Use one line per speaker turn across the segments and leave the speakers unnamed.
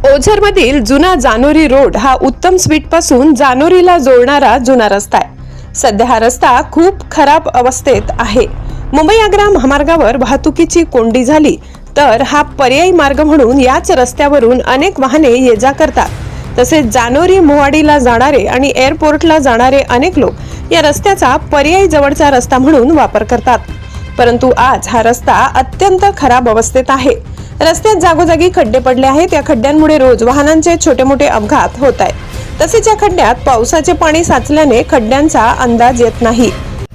ओझरमधील जुना जानोरी रोड हा उत्तम स्वीट पासून जानोरीला जोडणारा जुना रस्ता आहे। सध्या हा रस्ता खूप खराब अवस्थेत आहे। मुंबई आग्रा महामार्गावर वाहतुकीची कोंडी झाली तर हा पर्यायी मार्ग म्हणून याच रस्त्यावरून अनेक वाहने ये जा करतात। तसेच जानोरी मोवाडीला जाणारे आणि एअरपोर्टला जाणारे अनेक लोक या रस्त्याचा पर्यायी जवळचा रस्ता म्हणून वापर करतात। परंतु आज हा रस्ता अत्यंत खराब अवस्थेत आहे। रस्त्यात जागोजागी खड्डे पडले आहेत। या खड्ड्यांमुळे रोज वाहनांचे छोटे मोठे अपघात होत आहेत। तसेच या खड्ड्यात पावसाचे पाणी साचल्याने खड्ड्यांचा अंदाज येत नाही।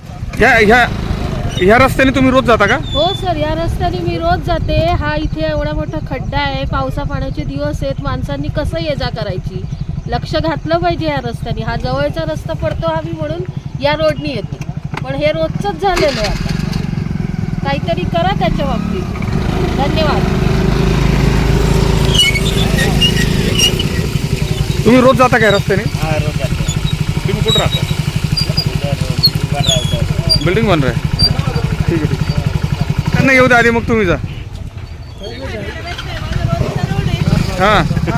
या रस्त्याने तुम्ही रोज जाता का?
हो सर, या रस्त्याने मी रोज जाते। हा इथे एवढा मोठा खड्डा आहे, पावसा पाण्याचे दिवस आहेत, माणसांनी कसं ये जा करायची, लक्ष घातलं पाहिजे या रस्त्याने। हा जवळचा रस्ता पडतो आम्ही म्हणून या रोडनी येते, पण हे रोजच झालेलं आहे। आता काहीतरी करा त्याच्या बाबतीत। धन्यवाद।
तुम्ही रोज जाता काय रस्त्याने?
हाँ रोज जाते हैं।
तुम्ही कुठं राहता?
बन रहा है
बिल्डिंग बन रहा है। ठीक है, ठीक है। त्यांना येऊ द्या आधी, मग तुम्ही जा। हां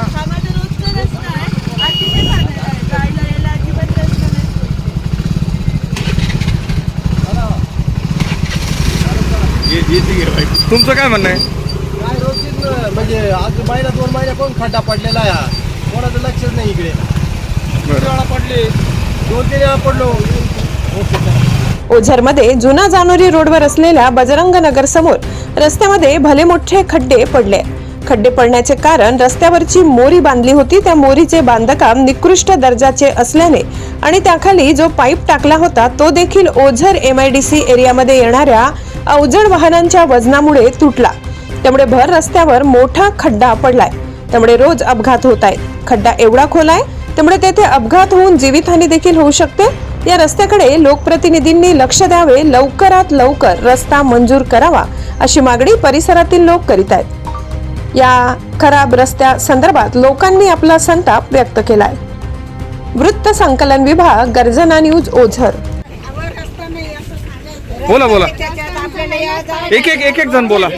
तुमचं काय म्हणणं आहे?
काय रोजच म्हणजे आज महिना 2 महिन्यापासून खड्डा पडलेला आहे। हा कोणाचं लक्षच नाही इकडे। वेळा पडले, 2-3 वेळा पडलो।
ओझरमध्ये जुना जानोरी रोडवर असलेल्या बजरंग नगर समोर रस्त्यामध्ये भले मोठे खड्डे पडले। खड्डे पडण्याचे कारण रस्त्यावरची मोरी बांधली होती, त्या मोरीचे बांधकाम निकृष्ट दर्जाचे असल्याने आणि त्याखाली जो पाईप टाकला होता तो देखील ओझर MIDC एरियामध्ये येणाऱ्या अवजड वाहनांच्या वजनामुळे तुटला। त्यामुळे भर रस्त्यावर मोठा खड्डा पडलाय। त्यामुळे रोज अपघात होत आहेत। खड्डा एवढा खोल आहे त्यामुळे तेथे अपघात होऊन जीवितहानी देखील होऊ शकते। या रस्त्याकडे लोकप्रतिनिधींनी लक्ष द्यावे, लवकरात लवकर रस्ता मंजूर करावा अशी मागणी परिसरातील लोक करीत आहेत। या खराब रस्त्या संदर्भात लोकांनी आपला संताप व्यक्त केलाय। वृत्त संकलन विभाग, गर्जना न्यूज, ओझर।
बोला बोला, एक जण बोला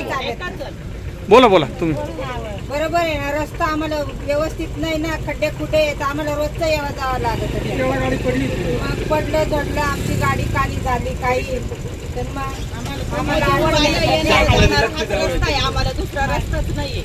बोला तुम्ही।
बरोबर आहे ना, रस्ता आम्हाला व्यवस्थित नाही ना, खड्डे खुडे आहेत, आम्हाला रोजचं यावं जावं लागत होतं। पडलं झडलं, आमची गाडी काली झाली काही, तर मग आम्हाला रस्ता आहे, आम्हाला दुसरा रस्ताच नाहीये,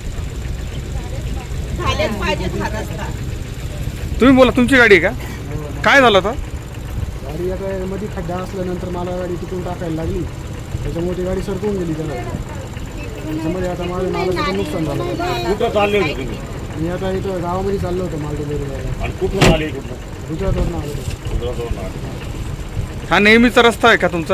झालेच पाहिजेत हा रस्ता।
तुम्ही बोला, तुमची गाडी आहे का? काय झालं होतं?
गाडी आता मध्ये खड्डा असल्यानंतर मला गाडी तिथून टाकायला लागली, त्याच्यामुळे ती गाडी सरकून गेली। त्याच्यामध्ये आता माझ्या मालाचं नुकसान झालं।
कुठं चालले होते तुम्ही?
मी आता इथं गावामध्ये चाललो होतो माल डिलिव्हरी करायला।
आणि कुठून आले? कुठून?
गुजरातवरून आलो होतो।
गुजरातवरून आले।
हा नेहमीचा रस्ता आहे का तुमचा?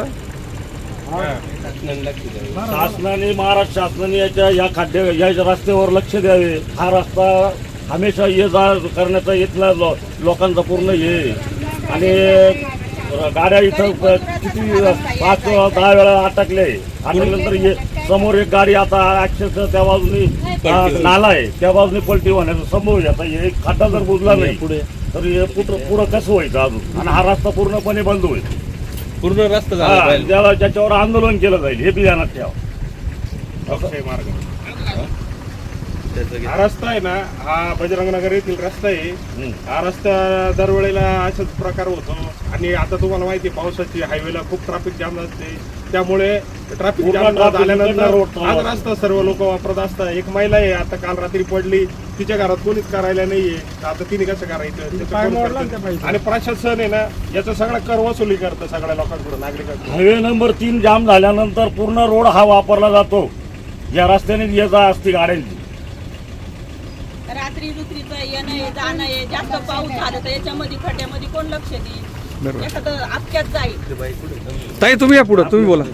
शासनाने, महाराष्ट्र शासनाने या खड्ड्या या रस्त्यावर लक्ष द्यावे। हा रस्ता हमेशा ये जा करण्याचा इथला लोकांचा पूर्ण हे, आणि गाड्या इथं किती 5-10 वेळा अटकल्यानंतर समोर एक गाडी आता अक्षरशः त्या बाजूने नाला आहे, त्या बाजूने पलटी होण्याचा संभव आहे। आता हे खड्डा जर बुजला नाही पुढे तर हे पुढं कसं व्हायचं अजून, आणि हा रस्ता पूर्णपणे बंद होईल। पूर्ण रस्ता झाला, ज्याच्यावर आंदोलन केलं जाईल हे बी ध्यानात ठेवा।
हा रस्ता आहे ना, हा बजरंग नगर येथील रस्ता आहे। हा रस्ता दरवेळेला असाच प्रकार होतो, आणि आता तुम्हाला माहिती आहे पावसाची हायवेला खूप ट्रॅफिक जाम असते, त्यामुळे ट्रॅफिक जाम झाल्यानंतर हा रस्ता सर्व लोक वापरत असतात। एक महिला आहे, आता काल रात्री पडली, तिच्या घरात कोणीच करायला नाहीये, आता तिने कसं करायचं? आणि प्रशासन आहे ना याचा सगळा कर वसुली करतं सगळ्या लोकांकडून, नागरिकांकडून।
हायवे नंबर 3 जाम झाल्यानंतर पूर्ण रोड हा वापरला जातो, या रस्त्याने ये जा असते गाड्यांची।
रात्री रुत्रीचं येणं जाणं आहे, जास्त पाऊस झाला तर याच्यामध्ये खड्ड्यामध्ये कोण लक्ष देईल? एखादं अपघात जाईल।
ताई तुम्ही या पुढे, तुम्ही बोला।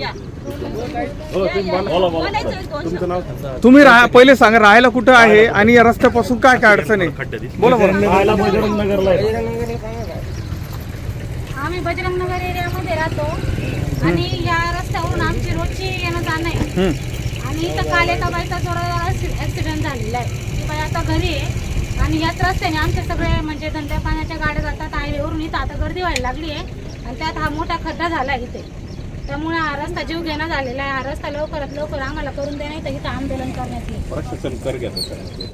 तुम्ही पहिले सांगा राहायला कुठं आहे आणि या रस्त्यापासून काय काय अडचण आहे? बोला बोला।
राहायला बजरंग नगरला आहे।
आम्ही बजरंग नगर एरियामध्ये राहतो आणि या रस्त्यावरून आमची रोजची येणं जाणं आहे। आणि इथं काल एका बाईचा थोडा ऍक्सिडेंट झालेला आहे। ती बाई आता घरी आहे आणि याच रस्त्याने आमचे सगळे म्हणजे धंद्या पाण्याच्या गाड्या जातात हायवेवरून। इथं आता गर्दी व्हायला लागली आहे आणि त्यात हा मोठा खड्डा झाला आहे इथे, त्यामुळे हा रस्ता जीव घेणं झालेला आहे। हा रस्ता लवकरात लवकर आम्हाला करून देण्यात इथं आंदोलन करण्यात येईल।